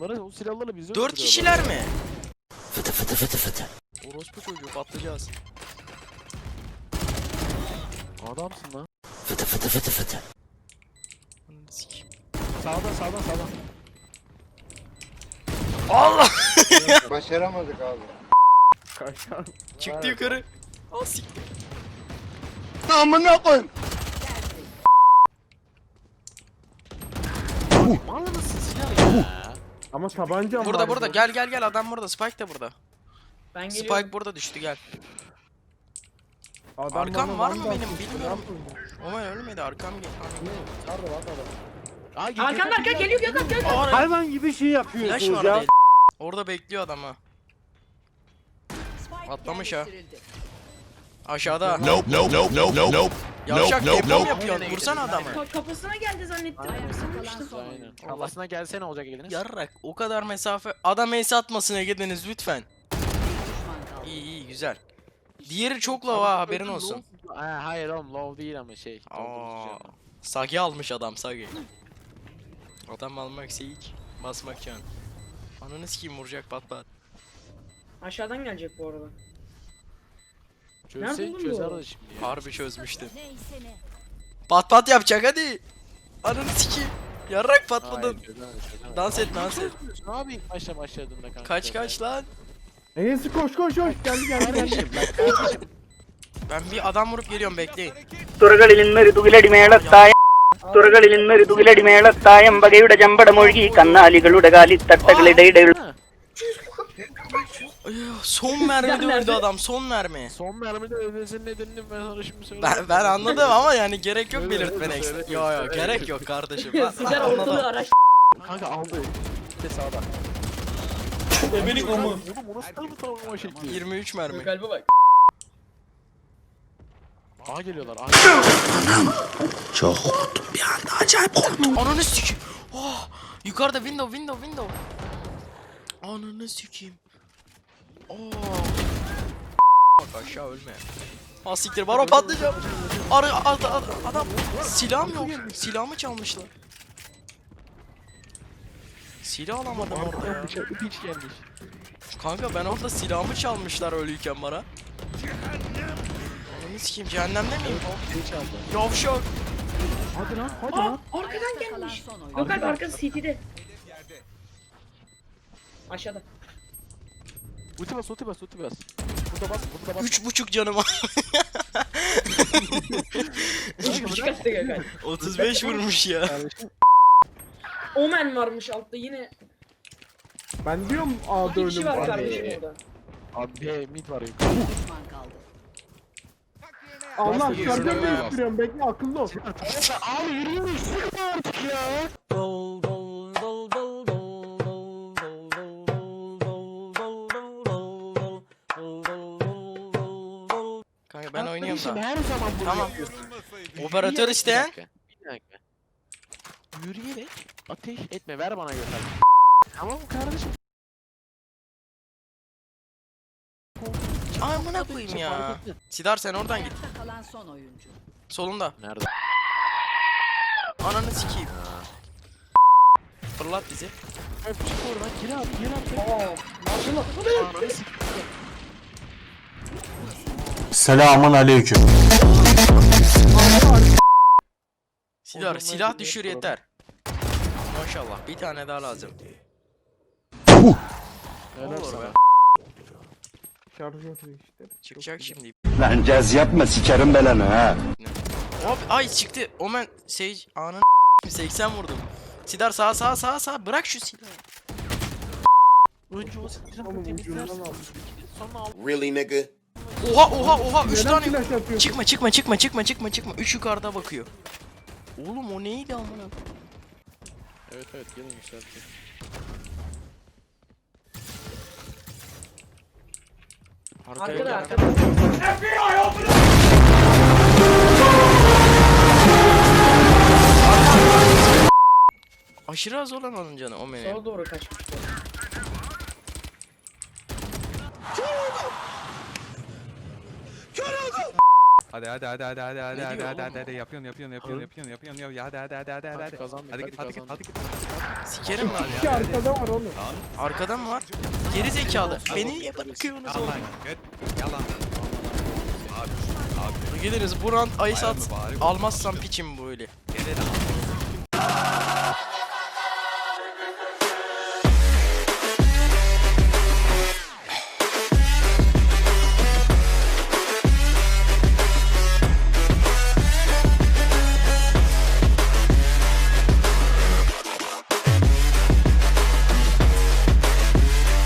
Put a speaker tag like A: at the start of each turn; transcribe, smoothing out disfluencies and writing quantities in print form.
A: adamları. O silahlarla bizi
B: 4 kişiler mi?
C: Fıtı fıtı fıtı fıtı.
B: Orospu çocuğu patlayacağız.
A: Adamsın lan.
C: Fıtı fıtı fıtı fıtı.
A: Sağdan.
B: Allah!
D: Başaramadık abi.
A: Kaçan.
B: Çıktı yukarı. Al siktir.
D: Amına koyayım.
A: Mal mısın silah ya?
E: Ama tabanca var.
B: Burada gel adam burada. Spike de burada.
F: Ben geliyorum.
B: Spike burada düştü gel.
E: Adam
B: Arkam
E: bana
B: var mı
E: vandal
B: benim?
E: tuttu,
B: Bilmiyorum.
E: ne yapayım?
B: Omen ölmedi arkam gel.
E: Nerede var adam?
F: Arkamda geliyor Gökhan.
E: Hayvan gibi şey
B: Flash
E: yapıyorsunuz
B: var
E: ya.
B: değil. Orada bekliyor adam ha. Atlamış ha. Aşağıda.
C: Nope nope nope nope nope nope.
B: Yavşak
C: Nope,
B: depo mu
C: nope.
B: yapıyorsun? Vursana adamı.
F: Kafasına geldi zannettim.
A: Aynen. Kafasına gelse ne olacak Ege'nin?
B: Yarrak o kadar mesafe. Adam ace atmasın Ege'deniz lütfen. İyi güzel. Diğeri çok low ha haberin olsun.
A: Hayır oğlum low değil ama şey.
B: Aa, Sagi almış adam Sagi. Adam almak seyik. Basmak can. Ananı sikeyim vuracak pat pat.
F: Aşağıdan gelecek bu arada.
A: Çözse
F: Nerede oğlum
A: çözer
F: bu?
A: o şimdi ya.
B: Harbi çözmüştü. Pat pat yapacak hadi. Ananı sikeyim. Yarrak patladın.
A: Hayır, çözemez.
B: Dans et dans et.
A: Ne yapayım başladığında kanka?
B: Kaç lan.
E: Enes'i koş.
A: Kardeşim bak kardeşim.
B: Ben bir adam vurup geliyorum bekleyin.
G: തുറകളിൽ നിന്ന് ഋതുവിലടിമേളത്തായം തുറകളിൽ നിന്ന് ഋതുവിലടിമേളത്തായം വകയുടെ ചമ്പടമൊഴുകി കന്നാലികളുടെ കാലിത്തട്ടകളിടയിടയിൽ
B: Son mermide öldü adam son mermi.
A: Son mermide ölmesinin nedenini ben sana şimdi söyleyeyim.
B: Ben anladım ama yani gerek yok
A: Söyle,
B: belirtmene
A: söyle,
B: ekstra.
A: söyle,
B: Yo
A: söyle.
B: gerek yok kardeşim. Ben
F: Sizler ortalığı
B: anladım.
F: araş.
A: Kanka aldı. Bir de sağda.
F: Benim o mu?
A: Oğlum o nasıl mı travma şekli?
B: 23 mermi.
F: Kalbe bak.
A: A geliyorlar. A.
C: Çok korktum bir anda acayip korktum.
B: Ananı sikeyim. Oh, yukarıda window. Ananı sikeyim. Oh. Bak aşağı ölme. Ha siktir baro patlayacağım. Adam silahım yok. Silahımı çalmışlar. Silah alamadım orada ya.
A: Hiç gelmiş.
B: Kanka ben orada silahımı çalmışlar ölüyken bana. Ananı sikeyim cehennemde miyim?
A: Hiç aldı.
B: Yavşak.
A: Hadi lan.
F: Arkadan gelmiş. Gökhan arkası CT'de. Aşağıda.
A: Ulti bas. Burada bas.
B: 3,5 canım var.
F: Küçük attı Gökhan.
B: 35 vurmuş ya.
F: Omen varmış altta yine.
E: Ben diyorum A'da
F: Bir kişi
E: ölüm
F: var
E: var.
F: kardeşim orada.
A: Abi B mid var yukarı.
E: Allah
A: Bas,
E: şarjör
A: yürü.
E: değiştiriyorum bekle akıllı ol.
A: Abi yürüyoruz. Sıkma artık ya.
B: Kanka ben oynuyorum
A: Kardeşim,
B: da.
A: her zaman bunu
B: Tamam.
A: yapıyorsun.
B: Operatör
A: Yürüyerek-
B: isteyen.
A: Bir dakika. Yürüyerek ateş etme. Ver bana göster. Tamam kardeşim.
B: Amına koyayım ya. Sidar sen oradan git.
H: Kalan son oyuncu.
B: Solunda.
A: Nerede?
B: Ananı sikeyim. Fırlat bizi.
A: Öp çık oradan. Gir abi.
F: Aa. Maşallah.
A: Ananı sikeyim.
C: Selamun aleyküm.
B: Sidar silah düşür yeter. Maşallah bir tane daha lazım.
A: Helal
B: Olur
A: sana.
B: be.
E: Şarjör değiştir.
B: Çıkacak şimdi.
C: Lan caz yapma sikerim belanı ha.
B: Hop ay çıktı. Omen Sage anın 80 vurdum. Sidar sağ bırak şu silahı.
A: Önce o silahı
E: Oğlum
A: temizlersin.
E: ucundan al.
A: Sonra al.
D: Really nigga?
B: Oha 3
E: Neden
B: tane.
E: flash yapıyorsun?
B: Çıkma. 3 yukarıda bakıyor. Oğlum o neydi amına?
A: Evet gelin yükseltin.
F: Arkada.
B: Aşırı az olan onun canı o benim.
F: Sola doğru kaçmışlar.
I: Hadi
B: Ne diyor oğlum o?
I: yapıyorsun ya hadi
A: Kazandık,
I: hadi
A: hadi
I: git.
A: kazandık.
B: Sikerim lan.
E: İki arkada var oğlum.
B: Arkadan mı var? Geri zekalı. Beni niye bırakıyorsunuz oğlum? Geliriz bu round ice at. Almazsam piçim böyle.